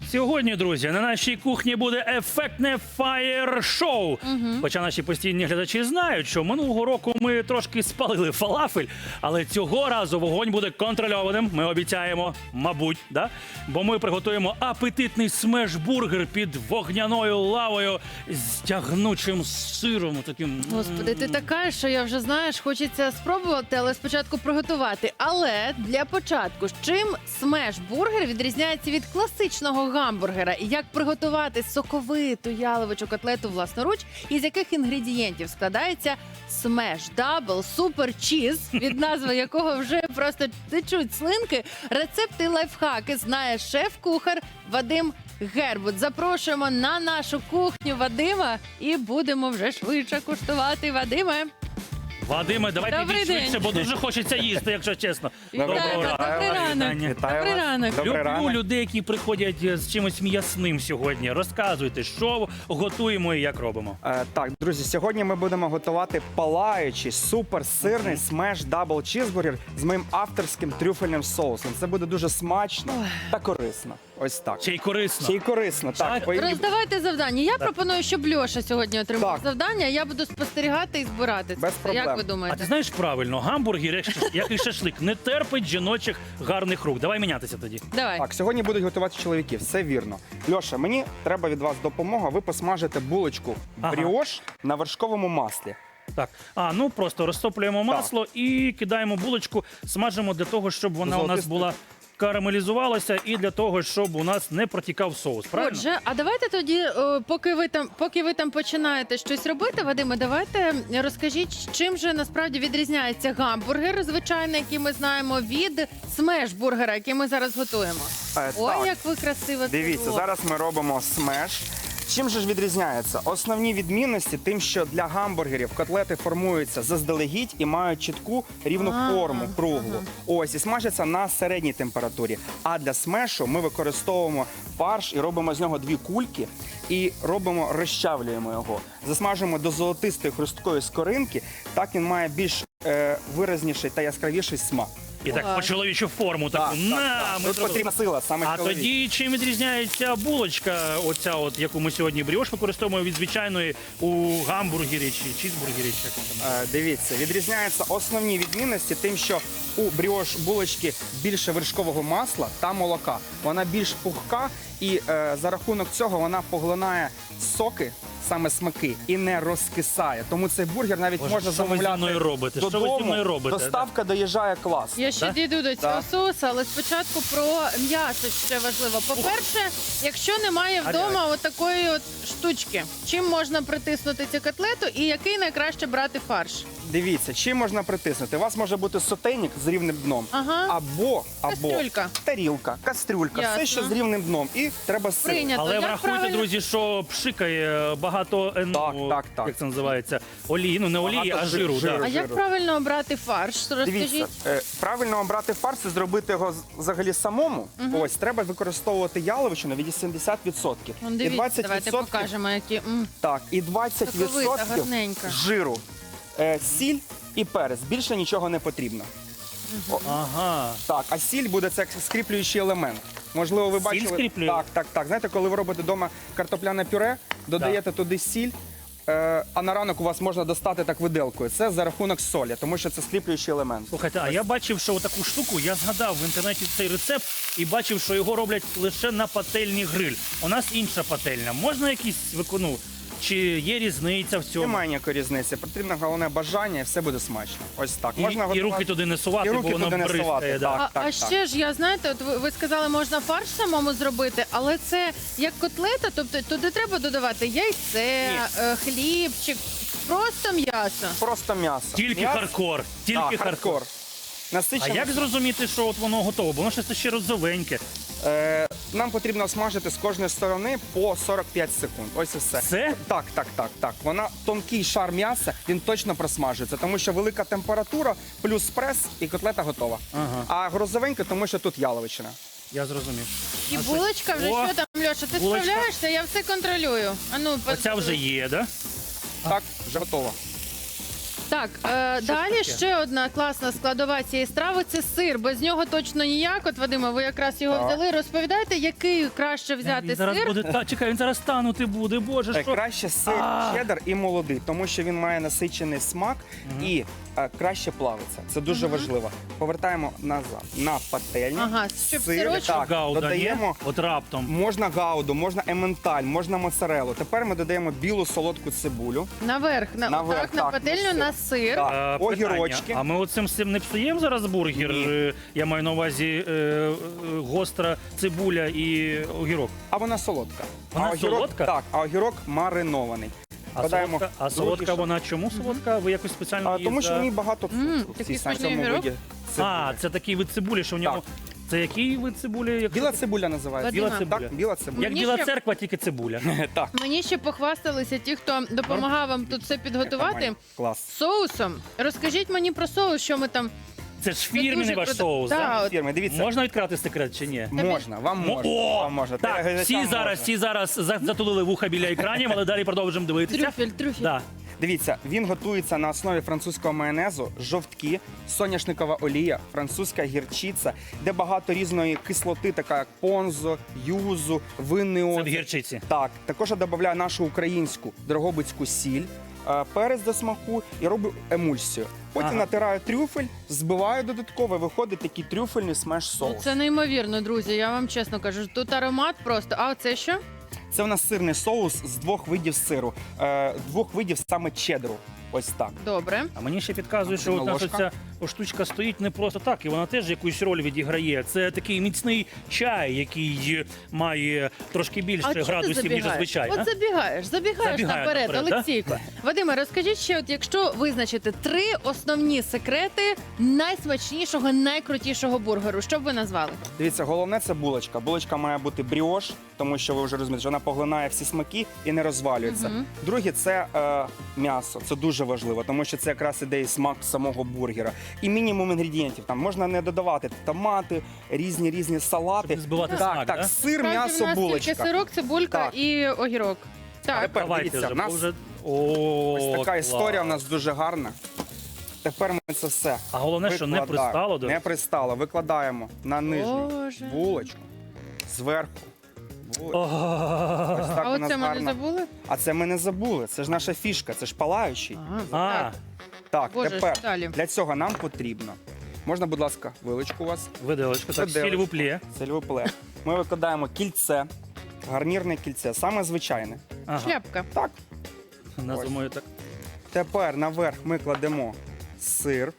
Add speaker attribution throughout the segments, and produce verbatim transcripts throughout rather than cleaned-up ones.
Speaker 1: Сьогодні, друзі, на нашій кухні буде ефектне фаєр-шоу. Угу. Хоча наші постійні глядачі знають, що минулого року ми трошки спалили фалафель, але цього разу вогонь буде контрольованим. Ми обіцяємо, мабуть, да? Бо ми приготуємо апетитний смеш-бургер під вогняною лавою з тягнучим сиром. Таким...
Speaker 2: Господи, ти така, що я вже, знаєш, хочеться спробувати, але спочатку приготувати. Але для початку, з чим смеш-бургер відрізняється від класичного гамбургера? І як приготувати соковиту яловичу котлету власноруч? І з яких інгредієнтів складається смеш дабл супер чіз, від назви якого вже просто течуть слинки? Рецепти і лайфхаки знає шеф-кухар Вадим Гербут. Запрошуємо на нашу кухню Вадима і будемо вже швидше куштувати. Вадиме.
Speaker 1: Вадиме, давайте
Speaker 2: Добрий
Speaker 1: швидше,
Speaker 2: день.
Speaker 1: бо дуже хочеться їсти, якщо чесно.
Speaker 2: Добрий ранок. Добрий ранок.
Speaker 3: Вітаю
Speaker 2: Добрий
Speaker 3: вас.
Speaker 2: ранок.
Speaker 3: Добрий
Speaker 1: Люблю
Speaker 3: ранок.
Speaker 1: людей, які приходять з чимось м'ясним сьогодні. Розказуйте, що готуємо і як робимо.
Speaker 3: Е, так, друзі, сьогодні ми будемо готувати палаючий суперсирний смеш дабл чізбургер з моїм авторським трюфельним соусом. Це буде дуже смачно та корисно. Ось так.
Speaker 1: Ще й корисно.
Speaker 3: Ще й корисно. Так,
Speaker 1: Так.
Speaker 3: Ой,
Speaker 2: Роздавайте завдання. Я пропоную, щоб Льоша сьогодні отримав
Speaker 3: Так.
Speaker 2: завдання, а я буду спостерігати і збирати це.
Speaker 3: Без
Speaker 2: все.
Speaker 3: проблем.
Speaker 2: Як ви
Speaker 1: А ти
Speaker 2: думаєте?
Speaker 1: знаєш правильно, гамбургер, як ш- як і шашлик, не терпить жіночих гарних рук. Давай мінятися тоді.
Speaker 2: Давай.
Speaker 3: Так, сьогодні будуть готувати чоловіки, все вірно. Льоша, мені треба від вас допомога. Ви посмажите булочку
Speaker 1: Ага.
Speaker 3: бріош на вершковому маслі.
Speaker 1: Так, а ну просто розтоплюємо масло і кидаємо булочку, смажимо для того, щоб вона у нас
Speaker 3: Золотисто.
Speaker 1: була карамелізувалася і для того, щоб у нас не протікав соус. Правильно?
Speaker 2: Отже, а давайте тоді, о, поки ви там, поки ви там починаєте щось робити, Вадиме, давайте розкажіть, чим же насправді відрізняється гамбургер, звичайний, який ми знаємо, від смеш-бургера, який ми зараз готуємо.
Speaker 3: Е,
Speaker 2: Ой,
Speaker 3: так.
Speaker 2: як ви красиво це
Speaker 3: Дивіться,
Speaker 2: робите.
Speaker 3: зараз ми робимо смеш. Чим же ж відрізняється? Основні відмінності тим, що для гамбургерів котлети формуються заздалегідь і мають чітку рівну
Speaker 2: А,
Speaker 3: форму, круглу. Ось, і смажаться на середній температурі. А для смешу ми використовуємо фарш і робимо з нього дві кульки і робимо, розчавлюємо його. Засмажуємо до золотистої хрусткої скоринки, так він має більш е, виразніший та яскравіший смак.
Speaker 1: І так
Speaker 2: Ага.
Speaker 1: по чоловічу форму таку.
Speaker 3: Так,
Speaker 1: На,
Speaker 3: так, так.
Speaker 1: ми
Speaker 3: Тут
Speaker 1: зробили.
Speaker 3: потрібна сила, саме
Speaker 1: А
Speaker 3: чоловік.
Speaker 1: тоді чим відрізняється булочка, оця от, яку ми сьогодні бріош використовуємо від звичайної у гамбургері чи чізбургері, чи як воно там.
Speaker 3: Е, Дивіться, відрізняються основні відмінності тим, що у бріош булочки більше вершкового масла та молока. Вона більш пухка і е, за рахунок цього вона поглинає соки, саме смаки, і не розкисає. Тому цей бургер навіть
Speaker 1: Боже,
Speaker 3: можна
Speaker 1: що ви зі
Speaker 3: замовляти
Speaker 1: мною робите? Що ви зі
Speaker 3: додому.
Speaker 1: мною робите?
Speaker 3: Доставка доїжджає клас.
Speaker 2: Я ще
Speaker 1: Да?
Speaker 2: дійду до цього
Speaker 3: Да.
Speaker 2: соусу, але спочатку про м'ясо ще важливо. По-перше, якщо немає вдома от такої от штучки, чим можна притиснути цю котлету і який найкраще брати фарш?
Speaker 3: Дивіться, чим можна притиснути? У вас може бути сотейник з рівним дном,
Speaker 2: Ага.
Speaker 3: або, або
Speaker 2: Кастрюлька.
Speaker 3: тарілка, кастрюлька,
Speaker 2: Ясно.
Speaker 3: все, що з рівним дном. І треба сир.
Speaker 2: Прийнято.
Speaker 1: Але
Speaker 2: Як
Speaker 1: врахуйте,
Speaker 2: правильно?
Speaker 1: друзі, що пшикає багато е, ну,
Speaker 3: Так, так, так.
Speaker 1: як це називається, олії, ну не олії,
Speaker 3: Багато
Speaker 1: а жиру.
Speaker 3: жиру.
Speaker 1: Да.
Speaker 2: А як правильно обрати фарш? Розкажіть.
Speaker 3: Дивіться, е, правильно обрати фарш і зробити його з- взагалі самому. Ось треба використовувати яловичину від сімдесят відсотків.
Speaker 2: Вон,
Speaker 3: І
Speaker 2: дивіться,
Speaker 3: двадцять
Speaker 2: давайте
Speaker 3: відсотків
Speaker 2: покажемо, які м,
Speaker 3: так, і двадцять
Speaker 2: соковита,
Speaker 3: відсотків
Speaker 2: гарненька.
Speaker 3: жиру, е, сіль і перець. Більше нічого не потрібно. О,
Speaker 1: Ага.
Speaker 3: так, а сіль буде це як скріплюючий елемент. Можливо, ви
Speaker 1: Сіль
Speaker 3: бачили.
Speaker 1: скріплює?
Speaker 3: Так, так, так. Знаєте, коли ви робите вдома картопляне пюре, додаєте туди сіль. е, А на ранок у вас можна достати так виделкою. Це за рахунок солі, тому що це скріплюючий елемент.
Speaker 1: Слухайте, а я бачив, що таку штуку, я згадав в інтернеті цей рецепт і бачив, що його роблять лише на пательні гриль. У нас інша пательня. Можна якісь викону? Чи є різниця в цьому?
Speaker 3: Немає ніякої різниці. Потрібно головне бажання, і все буде смачно. Ось так.
Speaker 1: І,
Speaker 3: Можна
Speaker 1: і
Speaker 3: готувати-
Speaker 1: руки туди не сувати,
Speaker 3: І
Speaker 1: бо
Speaker 3: руки
Speaker 1: воно
Speaker 3: туди не
Speaker 1: бризкає.
Speaker 3: сувати,
Speaker 1: Да.
Speaker 3: так.
Speaker 2: А, а ще ж я знаєте, от ви, ви сказали, можна фарш самому зробити, але це як котлета, тобто туди треба додавати яйце, е, хлібчик, просто м'ясо.
Speaker 3: Просто м'ясо.
Speaker 1: Тільки
Speaker 3: М'ясо-
Speaker 1: хардкор. Тільки
Speaker 3: Так,
Speaker 1: хардкор.
Speaker 3: хардкор.
Speaker 1: А
Speaker 3: Насичено.
Speaker 1: як зрозуміти, що от воно готово? Бо воно щось ще розовеньке.
Speaker 3: Е, нам потрібно смажити з кожної сторони по сорок п'ять секунд. Ось і все.
Speaker 1: Все?
Speaker 3: Так, так, так, так. Вона тонкий шар м'яса, він точно просмажується, тому що велика температура, плюс прес і котлета готова.
Speaker 1: Ага.
Speaker 3: А грузовенька, тому що тут яловичина.
Speaker 1: Я зрозумів.
Speaker 2: І
Speaker 1: А це-
Speaker 2: булочка вже
Speaker 1: О,
Speaker 2: що там, Льоша, ти
Speaker 1: булочка.
Speaker 2: справляєшся? Я все контролюю. А ну,
Speaker 1: Оця вже є, да?
Speaker 3: Так, вже готова.
Speaker 2: Так, е, далі
Speaker 1: таке?
Speaker 2: ще одна класна складова цієї страви – це сир. Без нього точно ніяк. От, Вадиме, ви якраз його
Speaker 3: Так.
Speaker 2: взяли. Розповідайте, який краще взяти
Speaker 1: Він зараз
Speaker 2: сир?
Speaker 1: буде та чекай, він зараз танути буде. Боже,
Speaker 3: Е,
Speaker 1: що
Speaker 3: Краще сир
Speaker 1: А.
Speaker 3: чеддер і молодий, тому що він має насичений смак і е, краще плавиться. Це дуже важливо. Повертаємо назад на пательню.
Speaker 2: Ага, щоб сирочок-
Speaker 3: так,
Speaker 1: гауда
Speaker 3: додаємо.
Speaker 1: є? От раптом.
Speaker 3: Можна гауду, можна ементаль, можна моцарелу. Тепер ми додаємо білу солодку цибулю.
Speaker 2: Наверх, на,
Speaker 3: Наверх,
Speaker 2: так, на
Speaker 3: так,
Speaker 2: пательню,
Speaker 3: на
Speaker 2: на
Speaker 3: сир.
Speaker 2: сир.
Speaker 3: Так.
Speaker 1: Е,
Speaker 3: огірочки.
Speaker 1: питання. А ми оцим цим не псуємо зараз бургер?
Speaker 3: Ні.
Speaker 1: Е, Я маю на увазі е, е, гостра цибуля і огірок.
Speaker 3: А вона солодка.
Speaker 1: Вона
Speaker 3: а огірок,
Speaker 1: солодка?
Speaker 3: Так, а огірок маринований.
Speaker 1: А
Speaker 3: Додаємо
Speaker 1: солодка, а
Speaker 3: другий
Speaker 1: солодка
Speaker 3: шар.
Speaker 1: вона чому солодка? Ви якось спеціально
Speaker 3: А,
Speaker 1: її
Speaker 3: тому що
Speaker 1: за-
Speaker 3: в ній багато
Speaker 2: М,
Speaker 3: цукру. в
Speaker 2: такий
Speaker 3: цій
Speaker 2: смачний
Speaker 3: самому
Speaker 2: огірок.
Speaker 3: виді цибулі.
Speaker 1: А, це такий вид цибулі, що в ньому.
Speaker 3: Так.
Speaker 1: Це який вид цибулі? Як,
Speaker 3: Біла цибуля називається.
Speaker 2: Вадима.
Speaker 1: Біла цибуля.
Speaker 3: Так, біла цибуля.
Speaker 1: як
Speaker 2: Мені
Speaker 1: біла
Speaker 2: ще-
Speaker 1: церква, тільки цибуля.
Speaker 3: Так.
Speaker 2: Мені ще похвасталися ті, хто допомагав вам тут все підготувати.
Speaker 3: Нормально. Клас.
Speaker 2: Соусом. Розкажіть мені про соус, що ми там...
Speaker 1: Це ж
Speaker 2: Це
Speaker 1: фірменний
Speaker 2: дуже
Speaker 1: ваш
Speaker 2: круто.
Speaker 1: соус.
Speaker 2: Так,
Speaker 1: да?
Speaker 2: от.
Speaker 3: Фірми, дивіться.
Speaker 1: Можна відкрити секрет чи ні?
Speaker 3: Можна, вам
Speaker 1: Мо-
Speaker 3: можна.
Speaker 1: О!
Speaker 3: Вам можна.
Speaker 1: Так,
Speaker 3: Телеглядачам
Speaker 1: всі зараз,
Speaker 3: можна.
Speaker 1: всі зараз за- затулили вуха біля екранів, але далі продовжимо дивитися.
Speaker 2: Трюфель, трюфель.
Speaker 1: Да.
Speaker 3: Дивіться, він готується на основі французького майонезу, жовтки, соняшникова олія, французька гірчиця, де багато різної кислоти, така як понзо, юзу, винний
Speaker 1: Це в
Speaker 3: оцет.
Speaker 1: гірчиці.
Speaker 3: Так, також я додаю нашу українську дрогобицьку сіль, е, перець до смаку і роблю емульсію. Потім
Speaker 1: Ага.
Speaker 3: натираю трюфель, збиваю додатково, і виходить такий трюфельний смеш
Speaker 2: Ну,
Speaker 3: соус.
Speaker 2: це неймовірно, друзі. Я вам чесно кажу. Тут аромат просто. А це що?
Speaker 3: Це в нас сирний соус з двох видів сиру, е, двох видів саме чедру. Ось так.
Speaker 2: Добре.
Speaker 1: А мені ще підказує, що от наша
Speaker 3: Ложка.
Speaker 1: ця штучка стоїть не просто так, і вона теж якусь роль відіграє. Це такий міцний чай, який має трошки більше
Speaker 2: А чого ти
Speaker 1: градусів, ніж
Speaker 2: забігаєш?
Speaker 1: зазвичай.
Speaker 2: От
Speaker 1: а?
Speaker 2: забігаєш, забігаєш
Speaker 1: Забігаю
Speaker 2: наперед,
Speaker 1: наперед, да?
Speaker 2: Олексійко. Вадиме, розкажіть ще, от якщо визначити три основні секрети найсмачнішого, найкрутішого бургеру, що б ви назвали?
Speaker 3: Дивіться, головне це булочка. Булочка має бути бріош, тому що ви вже розумієте, що вона поглинає всі смаки і не розвалюється.
Speaker 2: Мгм.
Speaker 3: Друге, це е, м'ясо. Це дуже важливо, тому що це якраз іде і смак самого бургера. І мінімум інгредієнтів. Там можна не додавати томати, різні різні салати.
Speaker 1: Щоб не збивати
Speaker 3: так,
Speaker 1: смак,
Speaker 3: так,
Speaker 1: да?
Speaker 3: сир,
Speaker 2: Справді,
Speaker 3: м'ясо,
Speaker 2: в нас
Speaker 3: булочка.
Speaker 2: тільки сирок, цибулька
Speaker 3: Так.
Speaker 2: і огірок. Так.
Speaker 3: Тепер
Speaker 1: Давайте
Speaker 3: дивіться,
Speaker 1: вже,
Speaker 3: в нас
Speaker 1: бо вже... О,
Speaker 3: ось така
Speaker 1: клас.
Speaker 3: історія у нас дуже гарна. Тепер ми це все.
Speaker 1: А головне, що не
Speaker 3: викладаємо.
Speaker 1: пристало до
Speaker 3: Не пристало. Викладаємо на нижню
Speaker 2: Боже.
Speaker 3: булочку, зверху. булочку.
Speaker 1: О,
Speaker 3: Ось так
Speaker 2: А
Speaker 3: у нас
Speaker 2: оце ми не
Speaker 3: гарно.
Speaker 2: забули?
Speaker 3: А це ми не забули. Це ж наша фішка, це ж палаючий.
Speaker 1: А,
Speaker 2: так.
Speaker 3: Так,
Speaker 2: Боже,
Speaker 3: тепер
Speaker 2: що далі?
Speaker 3: для цього нам потрібно. Можна, будь ласка, вилочку у вас.
Speaker 1: виделочка, так,
Speaker 3: Виделочку.
Speaker 1: сіль в уплі.
Speaker 3: Сельвопле. Ми викладаємо кільце, гарнірне кільце, саме звичайне.
Speaker 1: Ага,
Speaker 2: Шляпка.
Speaker 3: Так.
Speaker 1: називаю так.
Speaker 3: Тепер наверх ми кладемо сир.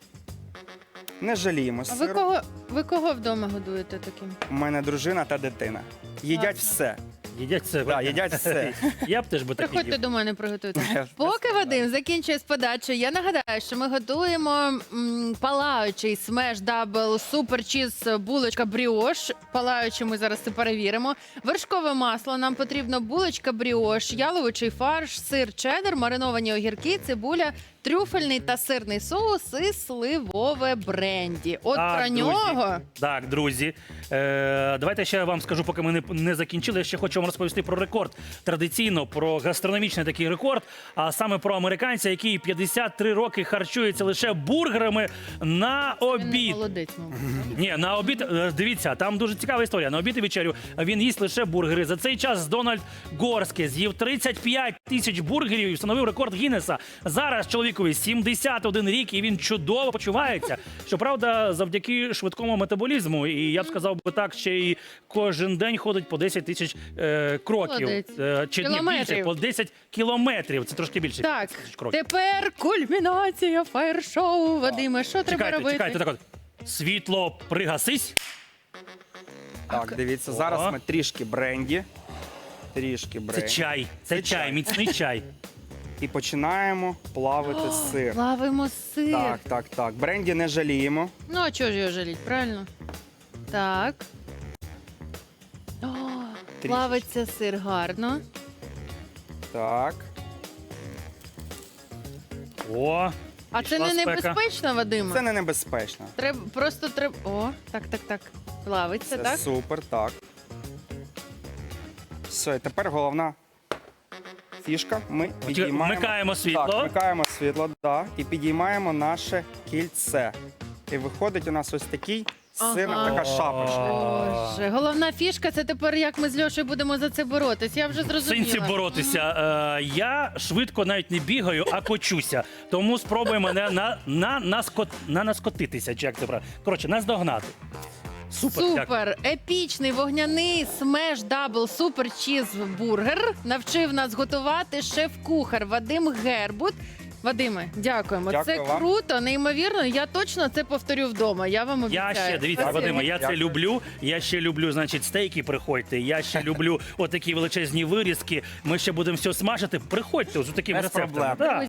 Speaker 3: Не жаліємо
Speaker 2: А ви
Speaker 3: сиру.
Speaker 2: кого, ви кого вдома годуєте таким?
Speaker 3: У мене дружина та дитина. Їдять
Speaker 2: Класно.
Speaker 3: все.
Speaker 1: Їдять це.
Speaker 3: Да, їдять все.
Speaker 1: Я б теж би так
Speaker 2: Приходьте
Speaker 1: їв.
Speaker 2: до мене, приготуйте.
Speaker 3: Я ж
Speaker 2: Поки Вадим закінчує з подачею, я нагадаю, що ми готуємо м, палаючий смеш дабл супер чіз булочка бріош. Палаючий ми зараз це перевіримо. Вершкове масло. Нам потрібно булочка бріош, яловичий фарш, сир чеддер, мариновані огірки, цибуля, трюфельний та сирний соус і сливове бренді. От
Speaker 1: Так,
Speaker 2: про
Speaker 1: друзі.
Speaker 2: нього.
Speaker 1: Так, друзі. Е, давайте ще я вам скажу, поки ми не, не закінчили. Я ще хочу вам розповісти про рекорд. Традиційно про гастрономічний такий рекорд, а саме про американця, який п'ятдесят три роки харчується лише бургерами на
Speaker 2: Він не
Speaker 1: обід.
Speaker 2: молодець, мабуть.
Speaker 1: Ні, на обід, е, дивіться, там дуже цікава історія. На обід і вечерю він їсть лише бургери. За цей час Дональд Горський з'їв тридцять п'ять тисяч бургерів і встановив рекорд Гіннеса. Зараз чоловікові сімдесят один рік, і він чудово почувається. Щоправда, завдяки швидкому метаболізму, і я б сказав би так, ще й кожен день ходить по десять тисяч е, кроків.
Speaker 2: Молодець.
Speaker 1: Е, чи ні, більше,
Speaker 2: Кілометрів.
Speaker 1: по десять кілометрів. Це трошки більше.
Speaker 2: Так,
Speaker 1: тисяч кроків.
Speaker 2: тепер кульмінація фаєр-шоу. Вадиме, що треба
Speaker 1: Чекайте,
Speaker 2: робити?
Speaker 1: чекайте, так от. Світло пригасись.
Speaker 3: Так, дивіться,
Speaker 1: О.
Speaker 3: зараз ми трішки бренді. Трішки
Speaker 1: Це
Speaker 3: бренді.
Speaker 1: чай, це,
Speaker 3: Це
Speaker 1: чай,
Speaker 3: чай.
Speaker 1: міцний чай.
Speaker 3: І починаємо плавити сир.
Speaker 2: Плавимо сир.
Speaker 3: Так, так, так. Бренді не жаліємо.
Speaker 2: Ну, а чого ж його жаліть, правильно? Так. О, плавиться сир гарно.
Speaker 3: Так.
Speaker 1: О,
Speaker 2: А це
Speaker 1: пішла
Speaker 2: не
Speaker 1: спека.
Speaker 2: небезпечно, Вадиме?
Speaker 3: Це не небезпечно.
Speaker 2: Треба, просто треба... О, так, так, так. Плавиться,
Speaker 3: Це
Speaker 2: так?
Speaker 3: супер, так. Все, і тепер головна фішка. Ми підіймаємо.
Speaker 1: вмикаємо світло.
Speaker 3: Так, вмикаємо світло, да, і підіймаємо наше кільце. І виходить у нас ось такий сирна
Speaker 2: Ага.
Speaker 3: така шапочка.
Speaker 2: Боже, головна фішка це тепер як ми з Льошею будемо за це боротись. Я вже
Speaker 1: В сенсі
Speaker 2: зрозуміла.
Speaker 1: боротися. Е, я швидко навіть не бігаю, а кочуся. Тому спробуй мене на, на, наскот, на наскотитися, чи як це правильно. Коротше, наздогнати. Супер. дякую.
Speaker 2: Супер, епічний вогняний смеш дабл супер чізбургер навчив нас готувати шеф-кухар Вадим Гербут. Вадиме, дякуємо.
Speaker 3: Дякую
Speaker 2: це
Speaker 3: вам.
Speaker 2: круто, неймовірно. Я точно це повторю вдома. Я вам обіцяю.
Speaker 1: Я ще, дивіться,
Speaker 2: Спасибо.
Speaker 1: Вадиме, я це
Speaker 3: Дякую.
Speaker 1: люблю. Я ще люблю, значить, стейки приходьте. Я ще люблю отакі величезні вирізки. Ми ще будемо все смажити. Приходьте з такими
Speaker 3: Без
Speaker 1: рецептами.
Speaker 3: проблем.
Speaker 1: Да.